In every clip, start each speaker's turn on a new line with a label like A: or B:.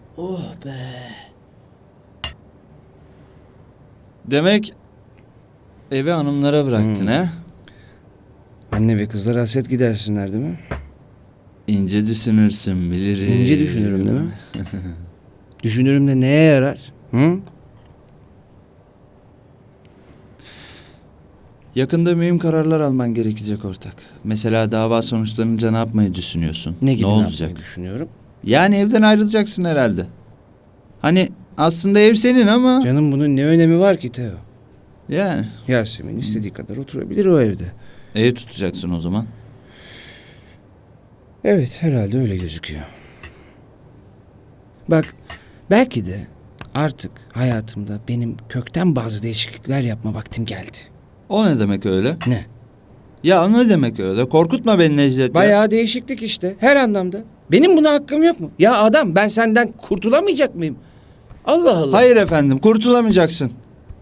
A: Oh be.
B: Demek evi hanımlara bıraktın ha?
C: Anne ve kızlar hasret gidersinler değil mi?
B: İnce düşünürsün bilirim.
C: İnce düşünürüm değil mi? Düşünürüm de neye yarar? Hı?
B: Yakında mühim kararlar alman gerekecek ortak. Mesela dava sonuçlanınca ne yapmayı düşünüyorsun?
C: Ne gibi
B: olacak?
C: yapmayı düşünüyorum?
B: Yani evden ayrılacaksın herhalde. Hani aslında ev senin ama...
C: Canım bunun ne önemi var ki Teo?
B: Yani
C: Yasemin istediği kadar oturabilir o evde.
B: ev tutacaksın o zaman.
C: Evet, herhalde öyle gözüküyor. Bak, belki de artık hayatımda benim kökten bazı değişiklikler yapma vaktim geldi.
B: O ne demek öyle?
C: Ne?
B: Ya o ne demek öyle? Korkutma beni Necdet. ya.
C: Bayağı değişiklik işte, her anlamda. Benim buna hakkım yok mu? Ya adam, ben senden kurtulamayacak mıyım? Allah Allah.
B: Hayır efendim, kurtulamayacaksın.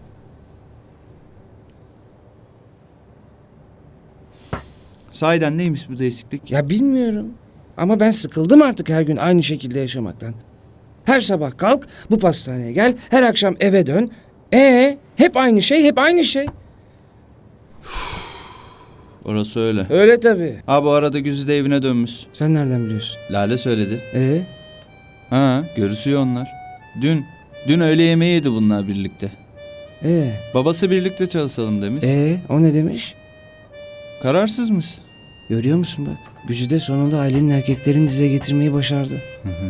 B: Sahiden neymiş bu değişiklik?
C: Ya bilmiyorum. Ama ben sıkıldım artık her gün aynı şekilde yaşamaktan. Her sabah kalk, bu pastaneye gel, her akşam eve dön. Hep aynı şey, hep aynı şey.
B: Orası öyle.
C: Öyle tabii.
B: Ha bu arada Güzide evine dönmüş.
C: Sen nereden biliyorsun?
B: Lale söyledi.
C: Ee?
B: Ha görüşüyor onlar. Dün öğle yemeği yedi bunlar birlikte. Babası birlikte çalışalım demiş.
C: O ne demiş?
B: Kararsızmış.
C: Görüyor musun bak? Gücü sonunda ailenin erkeklerini dize getirmeyi başardı.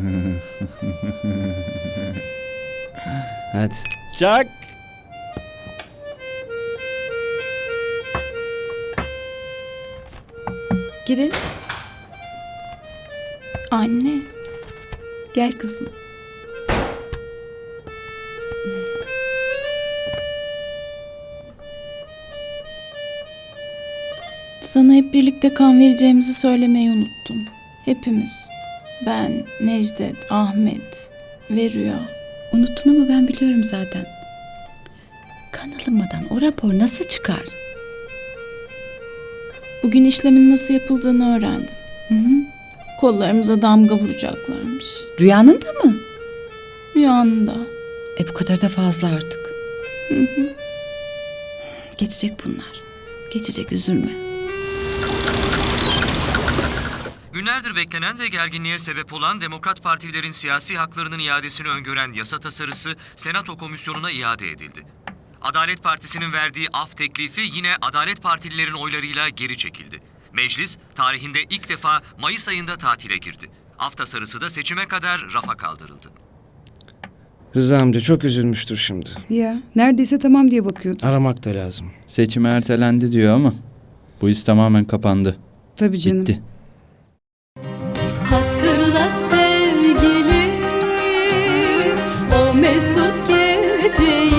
C: Hadi.
B: Çak.
D: Girin. Anne. Gel kızım. Sana hep birlikte kan vereceğimizi söylemeyi unuttum. Hepimiz. Ben, Necdet, Ahmet ve Rüya.
E: Unuttun ama ben biliyorum zaten. Kan alınmadan o rapor nasıl çıkar?
D: Bugün işlemin nasıl yapıldığını öğrendim.
E: Hı hı.
D: Kollarımıza damga vuracaklarmış.
E: Rüyanın da mı?
D: Rüyanın da.
E: Bu kadar da fazla artık.
D: Hı hı.
E: Geçecek bunlar. Geçecek, üzülme.
F: Günlerdir beklenen ve gerginliğe sebep olan Demokrat Partilerin siyasi haklarının iadesini öngören yasa tasarısı Senato Komisyonu'na iade edildi. Adalet Partisi'nin verdiği af teklifi yine Adalet Partililerin oylarıyla geri çekildi. Meclis tarihinde ilk defa Mayıs ayında tatile girdi. Af tasarısı da seçime kadar rafa kaldırıldı.
C: Rıza amca çok üzülmüştür şimdi.
G: Ya neredeyse tamam diye bakıyordum.
C: Aramak da lazım.
B: Seçime ertelendi diyor ama bu iş tamamen kapandı.
G: Tabii canım.
B: Bitti.
H: Hatırla sevgilim o mesut geceyi.